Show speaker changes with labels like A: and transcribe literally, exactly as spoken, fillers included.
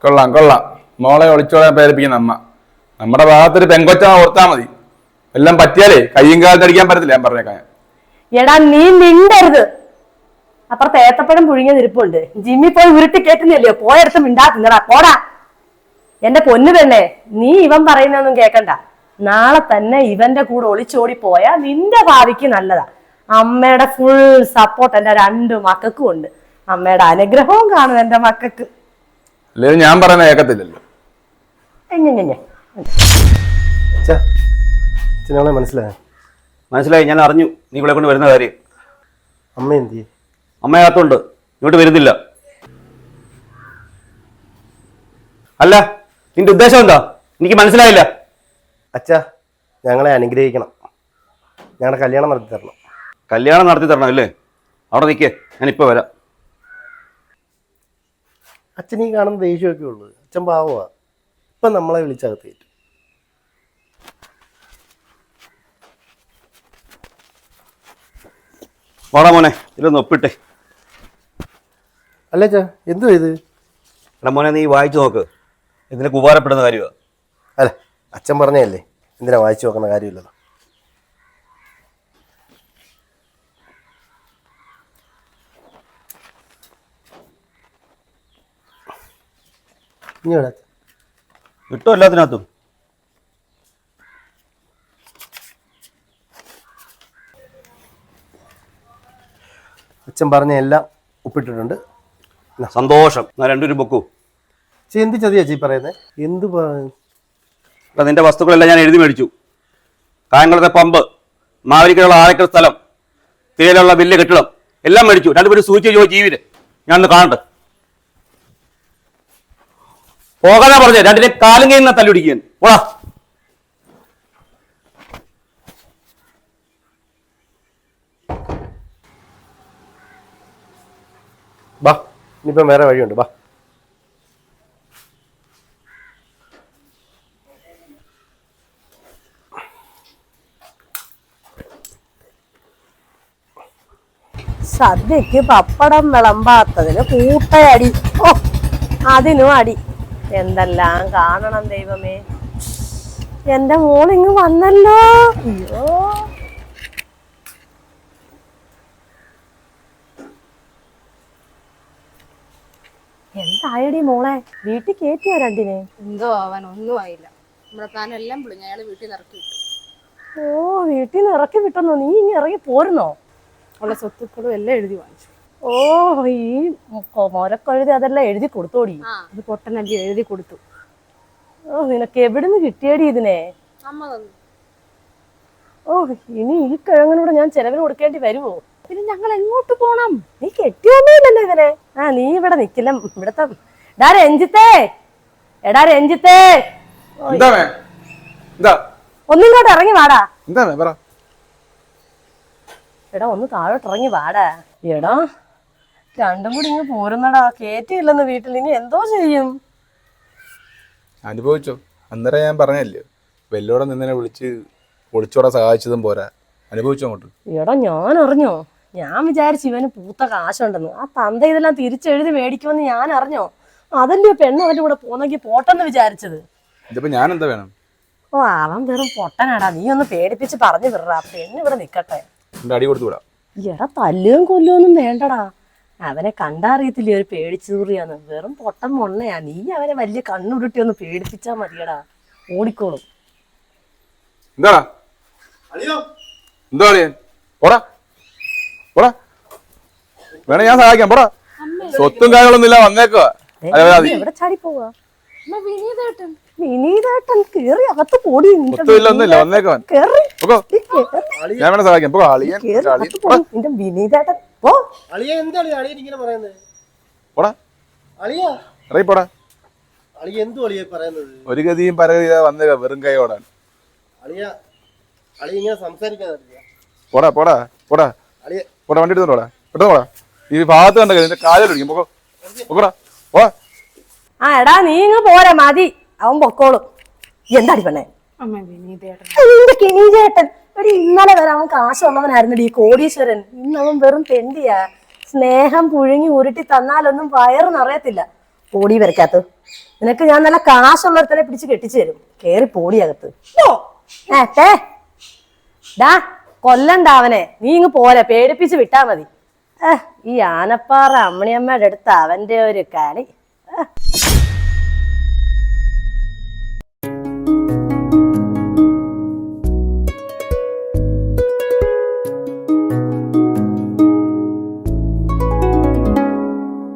A: കൊള്ളാം കൊള്ളാം. മോളെ ഒളിച്ചോളാൻ പ്രേരിപ്പിക്കുന്ന അമ്മ. നമ്മുടെ ഭാഗത്തൊരു പെങ്കൊച്ച ഓർത്താ മതി. എല്ലാം പറ്റിയാലേ കയ്യും കാലത്ത് അടിക്കാൻ പറ്റത്തില്ല. ഞാൻ പറഞ്ഞേക്കാൻ.
B: എടാ നീ മിണ്ടരുത്. അപ്പുറത്ത് ഏത്തപ്പഴം പുഴുങ്ങിയ നിരിപ്പുണ്ട്. ജിമ്മി പോയി ഉരുട്ടി കേട്ടുന്നില്ലയോ? പോയടുത്ത് മിണ്ടാ തിന്നടാ. പോടാ. എന്റെ പൊന്നു പെണ്ണേ, നീ ഇവൻ പറയുന്നൊന്നും കേക്കണ്ട. നാളെ തന്നെ ഇവന്റെ കൂടെ ഒളിച്ചോടി പോയാ നിന്റെ ഭാവിക്ക് നല്ലതാ. അമ്മയുടെ ഫുൾ സപ്പോർട്ട് എന്റെ രണ്ടു മക്കൾക്കും ഉണ്ട്. അമ്മയുടെ അനുഗ്രഹവും കാണും എന്റെ മക്കൾക്ക്.
A: അല്ലെങ്കിൽ ഞാൻ പറയുന്ന കേൾക്കത്തില്ലല്ലോ.
C: മനസ്സിലായോ?
D: മനസ്സിലായി, ഞാൻ അറിഞ്ഞു നീ ഇവിടെ കൊണ്ട് വരുന്ന കാര്യം.
C: അമ്മ എന്ത് ചെയ്യും?
D: അമ്മയകത്തുണ്ട്, ഇങ്ങോട്ട് വരുന്നില്ല. അല്ല, നിന്റെ ഉദ്ദേശം എന്താ? എനിക്ക് മനസ്സിലായില്ല.
C: അച്ഛാ, ഞങ്ങളെ അനുഗ്രഹിക്കണം. ഞങ്ങളുടെ കല്യാണം നടത്തി തരണം.
D: കല്യാണം നടത്തി തരണം അല്ലേ? അവിടെ നിൽക്കേ, ഞാനിപ്പോൾ വരാം.
C: അച്ഛൻ ഈ കാണുന്ന ദേഷ്യമൊക്കെ ഉള്ളു. അച്ഛൻ പാവമാ. ഇപ്പം നമ്മളെ വിളിച്ചകത്ത് കയറ്റും.
D: വാടാ മോനെ, ഇതൊന്ന് ഒപ്പിട്ടെ.
C: അല്ല അച്ഛാ, എന്തുവാ ഇത്?
D: എടാ മോനെ, നീ വായിച്ചു നോക്ക്. ഇതിനൊക്കെ ഉപകാരപ്പെടുന്ന കാര്യമാണ്.
C: അല്ല, അച്ഛൻ പറഞ്ഞല്ലേ, എന്തിനാ വായിച്ചു നോക്കുന്ന കാര്യമില്ലല്ലോ. ഇനി എവിടെ
D: കിട്ടും എല്ലാത്തിനകത്തും.
C: അച്ഛൻ പറഞ്ഞ എല്ലാം ഒപ്പിട്ടിട്ടുണ്ട്.
D: സന്തോഷം. ഞാൻ രണ്ടുപേരും പൊക്കൂ.
C: ചേ, എന്ത് ചതിയാ ചീ പറയുന്നത്? എന്ത്
D: എടാ, നിന്റെ വസ്തുക്കളെല്ലാം ഞാൻ എഴുതി മേടിച്ചു. കായംകുളത്തെ പമ്പ്, മാവേലിക്കലുള്ള ആഴക്കൽ സ്ഥലം, തേയിലുള്ള വലിയ കെട്ടിടം എല്ലാം മേടിച്ചു. രണ്ടുപേരും സൂചിച്ച് ചോദിച്ചു ജീവിര്. ഞാനൊന്ന് കാണട്ടെ. പോകാനാ പറഞ്ഞേ, രണ്ടിനെ കാലും കയ്യിൽ നിന്ന് തല്ലുപിടിക്കാൻ. ഓടാ.
C: ബാ, ഇനിയിപ്പം വേറെ വഴിയുണ്ട്. ബാ.
B: സദ്യക്ക് പപ്പടം വിളമ്പാത്തതിന് കൂട്ടയടി. ഓ, അതിനും അടി. എന്തെല്ലാം കാണണം ദൈവമേ. എന്റെ മോളിങ് വന്നല്ലോ. അയ്യോ, എന്തായടി മോളെ? വീട്ടിൽ കേറ്റിയോ രണ്ടിനെ?
E: എന്തോ ആവാൻ ഒന്നും ആയില്ല. നമ്മുടെ പ്ലാൻ എല്ലാം പൊളിഞ്ഞു. അയാൾ വീട്ടിൽ നിന്ന് ഇറക്കി വിട്ടു.
B: ഓ, വീട്ടിൽ നിന്ന് ഇറക്കി വിട്ടെന്നോ? നീ ഇങ്ങനെ ഇറങ്ങി പോരുന്നോ?
E: ഉള്ള സ്വത്തുക്കളും എല്ലാം എഴുതി വാങ്ങിച്ചു.
B: ഓ, ഈ മൊരക്കൊഴുതി അതെല്ലാം എഴുതി കൊടുത്തോടി.
E: ഇത് പൊട്ടനല്ലി എഴുതി കൊടുത്തു.
B: ഓ, നിനക്ക് എവിടുന്ന് കിട്ടിയടി ഇതിനെ?
E: അമ്മ തന്നു.
B: ഓ, ഇനി ഈ കിഴങ്ങനൂടെ ഞാൻ ചെലവിന് കൊടുക്കേണ്ടി വരുമോ?
E: പിന്നെ ഞങ്ങൾ എങ്ങോട്ട് പോണം?
B: നീ കെട്ടിയൊന്നുമില്ലല്ലോ ഇതിനെ. ആ, നീ ഇവിടെ നിക്കില്ല. ഇവിടത്തെ ഡാ രഞ്ജിത്തേ, എടാ രഞ്ജിത്തേ, ഒന്നിങ്ങോട്ട് ഇറങ്ങി വാടാ. എടാ, ഒന്ന് താഴോട്ട് ഇറങ്ങി വാടാ. എടാ, രണ്ടും കൂടി ഇങ്ങ് പോരുന്നടാ. കേറ്റിയില്ലെന്ന് വീട്ടിൽ. ഇനി എന്തോ ചെയ്യും?
A: അനുഭവിച്ചോ? അന്നേരം ഞാൻ പറഞ്ഞല്ലേ, വെല്ലോടെ നിന്നെ വിളിച്ച് ഒളിച്ചോടെ സഹായിച്ചതും പോരാ. അനുഭവിച്ചോ അങ്ങോട്ട്?
B: എടാ, ഞാൻ അറിഞ്ഞോ? ഞാൻ വിചാരിച്ചു ഇവന് പൂത്ത കാശുണ്ടെന്ന്. ആ തന്ത ഇതെല്ലാം തിരിച്ചെഴുതി മേടിക്കുമെന്ന് ഞാൻ അറിഞ്ഞോ? അതല്ലേ പെണ്ണ് അവന്റെ കൂടെ പോന്നെങ്കിൽ പോട്ടെന്ന് വിചാരിച്ചത്.
A: ഇതിപ്പോ ഞാൻ എന്താ വേണം?
B: ഓ, അവൻ വെറും പൊട്ടനാടാ. നീ ഒന്ന് പേടിപ്പിച്ച് പറഞ്ഞു വിടറാ. പെണ്ണ് ഇവിടെ നിക്കട്ടെ.
A: അടി കൊടുത്തു വിടാം.
B: എടാ, തല്ലുകയും കൊല്ലുകയൊന്നും വേണ്ടടാ. അവനെ കണ്ടറിയത്തില്ലേ ഒരു പേടിച്ചൂറിയാന്ന്? വെറും പൊട്ടൻ മൊണ്ണയാ. നീ അവനെ വലിയ കണ്ണുരുട്ടി ഒന്ന് പേടിപ്പിച്ചാ മതിയടാ. ഓടിക്കോളും.
A: എന്താ എന്താ പോടാ പോടാ. വേണേ ഞാൻ സഹായിക്കാം. പോടാ. സ്വത്തും കാര്യങ്ങളൊന്നും ഇല്ല. വന്നേക്കുവാ.
B: എവിടെ ചാടി പോവാ? വിനീതേട്ടൻ കേറി അകത്ത് പോടി.
A: ഒന്നുമില്ല, വന്നേക്കുവാൻ. ഞാൻ വേണേ സഹായിക്കാം.
B: നിന്റെ വിനീതേട്ടൻ പോ.
A: പോടാ. ഇറങ്ങി പോടാ. ഒരു ഗതിയും പരഗതിയാ വന്നേക്ക വെറും കൈ ഓടാൻ. പോടാ പോടാ പോടാ പോടാ. വണ്ടി എടുത്തോടാ. പെട്ടെന്ന് പോടാ. ഈ ഭാഗത്ത് കണ്ട നിന്റെ കാലിലൊടിക്കും. പൊക്കോ പൊക്കോടാ. പോടാ.
B: ആ, എടാ നീ ഇങ്ങ് പോരാ. മതി, അവൻ പൊക്കോളും. എന്താടി പെണ്ണേ? നിന്റെ കിനീചേട്ടൻ എടി, ഇന്നലെ വരെ അവൻ കാശുള്ളവനായിരുന്നടി, കോടീശ്വരൻ. ഇന്ന് അവൻ വെറും തെണ്ടിയാ. സ്നേഹം പുഴുങ്ങി ഉരുട്ടി തന്നാലൊന്നും വയറ് നിറയത്തില്ല. പോടി വരയ്ക്കാത്ത നിനക്ക് ഞാൻ നല്ല കാശുള്ളവരെ പിടിച്ച് കെട്ടിച്ചു തരും. കേറി പോടിയകത്ത്. ഏ തേ ഡാ കൊല്ലണ്ട അവനെ. നീ ഇങ്ങ് പോലെ പേടിപ്പിച്ച് വിട്ടാ മതി. ഏഹ് ഈ ആനപ്പാറ അമ്മണിയമ്മയുടെ അടുത്ത് അവന്റെ ഒരു കളി.